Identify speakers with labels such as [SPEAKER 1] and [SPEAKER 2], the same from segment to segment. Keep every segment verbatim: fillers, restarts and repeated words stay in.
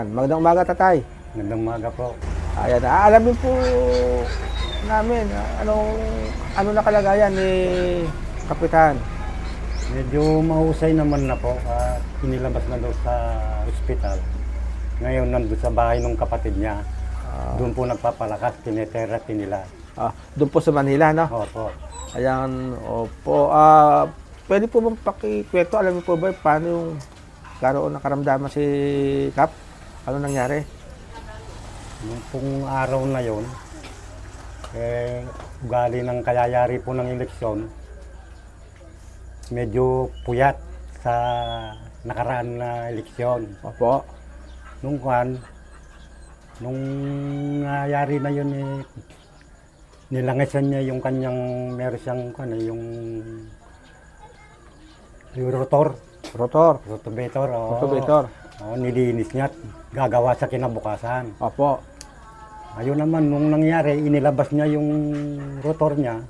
[SPEAKER 1] Magandang umaga, tatay.
[SPEAKER 2] Magandang umaga po.
[SPEAKER 1] Ayan, aalamin po namin ah, anong ano na kalagayan ni Kapitan.
[SPEAKER 2] Medyo mahusay naman na po. At inilabas na doon sa ospital. Ngayon nandun sa bahay ng kapatid niya.
[SPEAKER 1] Ah,
[SPEAKER 2] Doon po nagpapalakas, tinetherapy nila.
[SPEAKER 1] ah, doon po sa Manila, no?
[SPEAKER 2] Opo.
[SPEAKER 1] Ayan, opo. Ah, pwede po bang pakikwento, alam niyo po ba paano yung karoon ng karamdaman si Kap? Ano nangyari?
[SPEAKER 2] Nung pong araw na yon, eh, ugali ng kayayari po ng eleksyon, medyo puyat sa nakaraan na eleksyon.
[SPEAKER 1] Opo.
[SPEAKER 2] Nung kan, nung nangyari na yun, eh, nilangisan niya yung kanyang, meron siyang, ano, yung, yung rotor,
[SPEAKER 1] Rotor.
[SPEAKER 2] rotovator, oo.
[SPEAKER 1] Rotovator.
[SPEAKER 2] Oo, nilinis niya at gagawa sa kinabukasan.
[SPEAKER 1] Opo.
[SPEAKER 2] Ayun naman, nung nangyari, inilabas niya yung rotor niya,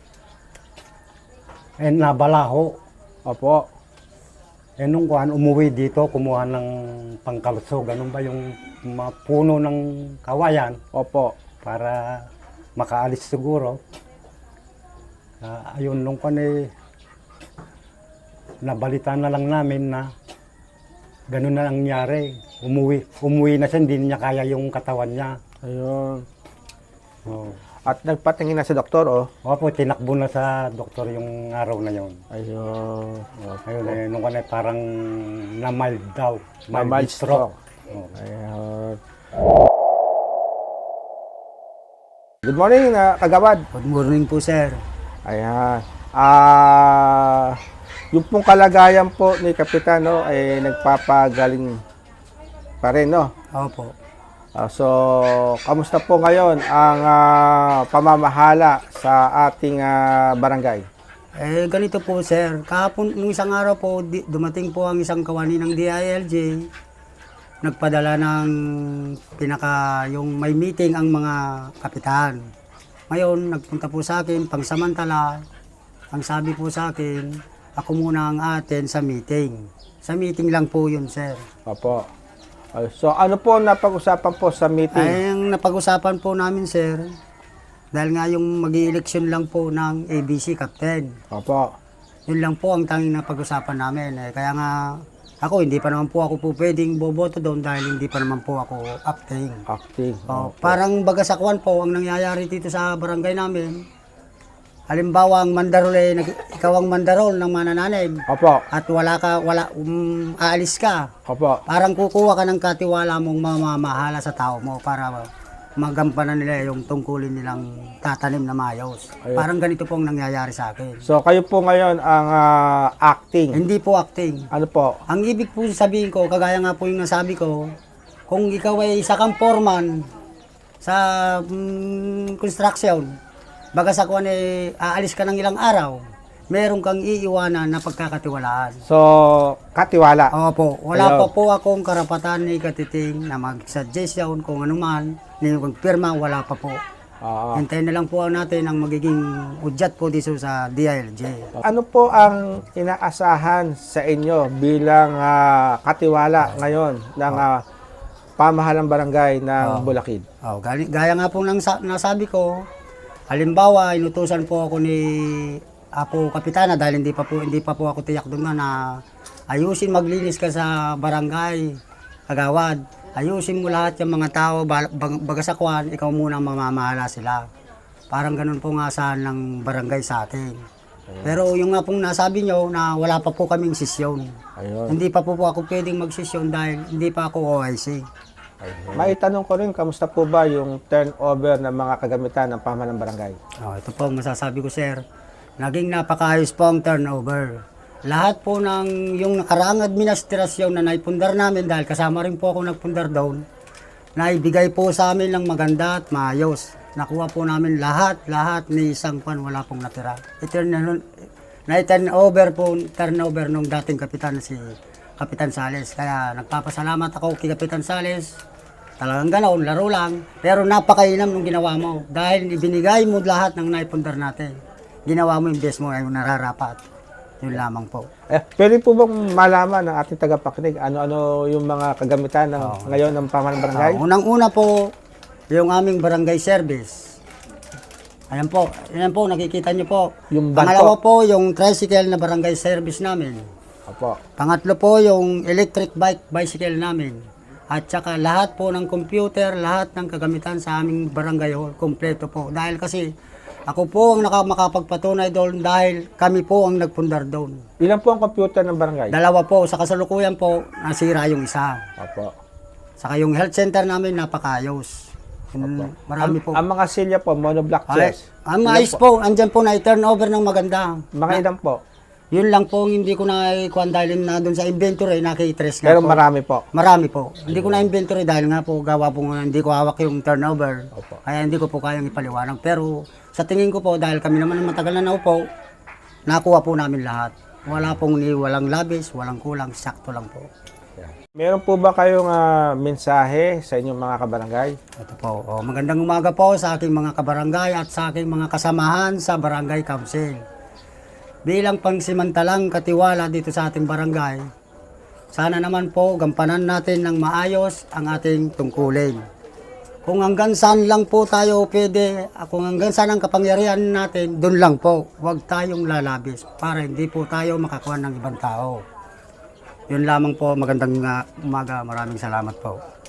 [SPEAKER 2] eh, nabalaho.
[SPEAKER 1] Opo.
[SPEAKER 2] Eh, nung kuhan, umuwi dito, kumuha ng pangkalso, ganun ba yung mga puno ng kawayan
[SPEAKER 1] Opo.
[SPEAKER 2] para makaalis siguro. Ah, ayun, nung kuhan eh, nabalita na lang namin na ganun na nangyari. Umuwi, umuwi na siya, hindi niya kaya yung katawan niya.
[SPEAKER 1] Ayun.
[SPEAKER 2] Oh.
[SPEAKER 1] At nagpatingin na si doktor, oh.
[SPEAKER 2] Opo, tinakbo na sa doktor yung araw na yon.
[SPEAKER 1] Ayun.
[SPEAKER 2] Ayun, eh, nung kanay parang na-mild daw.
[SPEAKER 1] Na mild stroke.
[SPEAKER 2] Oh.
[SPEAKER 1] Ayun. Good morning, na kagawad.
[SPEAKER 3] Good morning po, sir.
[SPEAKER 1] Ayan. Ah, yung pong kalagayan po ni Kapitan, no, ay nagpapagaling pa rin, no?
[SPEAKER 3] Opo.
[SPEAKER 1] Ah, so, kamusta po ngayon ang ah, pamamahala sa ating ah, barangay?
[SPEAKER 3] Eh, ganito po, sir. Kahapon, nung isang araw po, di, dumating po ang isang kawani ng D I L J. Nagpadala ng pinaka, yung may meeting ang mga kapitan. Ngayon, nagpunta po sa akin, pangsamantala, ang sabi po sa akin, ako muna ang atin sa meeting. Sa meeting lang po yun, sir.
[SPEAKER 1] Opo. Ay, so, ano po ang napag-usapan po sa meeting?
[SPEAKER 3] Ay, ang napag-usapan po namin, sir, dahil nga yung mag-i-eleksyon lang po ng A B C Captain.
[SPEAKER 1] Opo.
[SPEAKER 3] Yun lang po ang tanging napag-usapan namin. Eh, kaya nga, ako, hindi pa naman po ako po pwedeng boboto doon dahil hindi pa naman po ako acting.
[SPEAKER 1] Acting.
[SPEAKER 3] Oh,
[SPEAKER 1] Opo.
[SPEAKER 3] parang bagasakwan po ang nangyayari dito sa barangay namin. Halimbawa, ang mandarol eh, nag- ikaw ang mandarol ng manananig
[SPEAKER 1] Opo.
[SPEAKER 3] at wala ka, wala, um, aalis ka.
[SPEAKER 1] Opo.
[SPEAKER 3] Parang kukuha ka ng katiwala mong mamamahala sa tao mo para magampanan nila yung tungkulin nilang tatanim na mayos.
[SPEAKER 1] Ayun.
[SPEAKER 3] Parang ganito po ang nangyayari sa akin.
[SPEAKER 1] So, kayo po ngayon ang ah, acting.
[SPEAKER 3] Hindi po acting.
[SPEAKER 1] Ano po?
[SPEAKER 3] Ang ibig po sabihin ko, kagaya nga po yung nasabi ko, kung ikaw ay isa kang foreman sa mm, construction, baga sa kuwan eh, aalis ka ng ilang araw, meron kang iiwanan na pagkakatiwalaan.
[SPEAKER 1] So, katiwala.
[SPEAKER 3] Opo, wala
[SPEAKER 1] Ayaw.
[SPEAKER 3] pa po akong karapatan ni Katiting na mag-suggestion kung ano man, ni magpirma, wala pa po.
[SPEAKER 1] Oo.
[SPEAKER 3] Hintayin na lang po natin ang magiging udyat po dito sa D I L J.
[SPEAKER 1] Ano po ang inaasahan sa inyo bilang ah, katiwala ngayon ng ah, pamahalang barangay ng Bulacan?
[SPEAKER 3] Oh, gali- gaya nga po ng sa- nasabi ko, halimbawa, inutusan po ako ni Apo Kapitana dahil hindi pa po hindi pa po ako tiyak doon na, na ayusin maglinis ka sa barangay, kagawad. Ayusin mo lahat yung mga tao, ba- bag- bagasakwan, ikaw muna ang mamamahala sila. Parang ganun po nga saan ng barangay sa atin. Pero yung nga pong nasabi nyo na wala pa po kaming sisyon.
[SPEAKER 1] Ayun.
[SPEAKER 3] Hindi pa po po ako pwedeng magsisyon dahil hindi pa ako O I C.
[SPEAKER 1] Maitanong ko rin, kamusta po ba yung turnover ng mga kagamitan ng pamahalang barangay?
[SPEAKER 3] Oh, ito po ang masasabi ko, sir. Naging napakaayos po ang turnover. Lahat po ng yung nakaraang administrasyon na naipundar namin dahil kasama rin po ako nagpundar doon, naibigay po sa amin ng maganda at maayos. Nakuha po namin lahat, lahat ni isang pan, wala pong natira. Ito na-turnover po, turnover nung dating kapitan si Kapitan Sales. Kaya nagpapasalamat ako kay Kapitan Sales. Talagang ganoon, laro lang. Pero napakainam nung ginawa mo. Dahil ibinigay mo lahat ng naipundar natin. Ginawa mo yung best mo ay nararapat. Yun lamang po.
[SPEAKER 1] Eh, pwede po bang malaman ng ating tagapakinig ano-ano yung mga kagamitan ng,
[SPEAKER 3] Oo.
[SPEAKER 1] ngayon ng pamahalang barangay?
[SPEAKER 3] Ah, unang-una po, yung aming barangay service. Ayan po, ayan po, nakikita nyo po.
[SPEAKER 1] Yung van
[SPEAKER 3] Pangalawa po, yung tricycle na barangay service namin.
[SPEAKER 1] Opo.
[SPEAKER 3] Pangatlo po, yung electric bike, bicycle namin. At saka lahat po ng computer, lahat ng kagamitan sa aming barangay hall, kompleto po. Dahil kasi ako po ang naka- makapagpatunay doon dahil kami po ang nagpundar doon.
[SPEAKER 1] Ilan po ang computer ng barangay?
[SPEAKER 3] Dalawa po, sa kasalukuyan po, nasira yung isa.
[SPEAKER 1] Opo.
[SPEAKER 3] Saka yung health center namin, napakayos.
[SPEAKER 1] Opo.
[SPEAKER 3] Mm, marami
[SPEAKER 1] ang,
[SPEAKER 3] po.
[SPEAKER 1] ang mga silya po, monoblock
[SPEAKER 3] Ay,
[SPEAKER 1] chairs.
[SPEAKER 3] ang
[SPEAKER 1] Ilan
[SPEAKER 3] ayos po, andyan po na i-turnover ng maganda.
[SPEAKER 1] Mga ilan po?
[SPEAKER 3] Yun lang po, hindi ko na ikuan dahil na doon sa inventory, nakiktres nga
[SPEAKER 1] Pero
[SPEAKER 3] po.
[SPEAKER 1] marami po.
[SPEAKER 3] Marami po. Hindi ko na inventory dahil nga po gawa po nga, hindi ko hawak yung turnover.
[SPEAKER 1] Opo.
[SPEAKER 3] Kaya hindi ko po kayang ipaliwanag. Pero sa tingin ko po, dahil kami naman matagal na naupo, nakuha po namin lahat. Wala pong ni walang labis, walang kulang, sakto lang po.
[SPEAKER 1] Meron po ba kayong ah, mensahe sa inyong mga kabarangay?
[SPEAKER 3] Ito po. Oh, magandang umaga po sa aking mga kabarangay at sa aking mga kasamahan sa Barangay Council. Bilang pangsimantalang katiwala dito sa ating barangay, sana naman po gampanan natin ng maayos ang ating tungkulin. Kung hanggang saan lang po tayo pwede, kung hanggang saan ang kapangyarihan natin, doon lang po. Huwag tayong lalabis para hindi po tayo makakuha ng ibang tao. Yun lamang po, magandang uh, umaga. Maraming salamat po.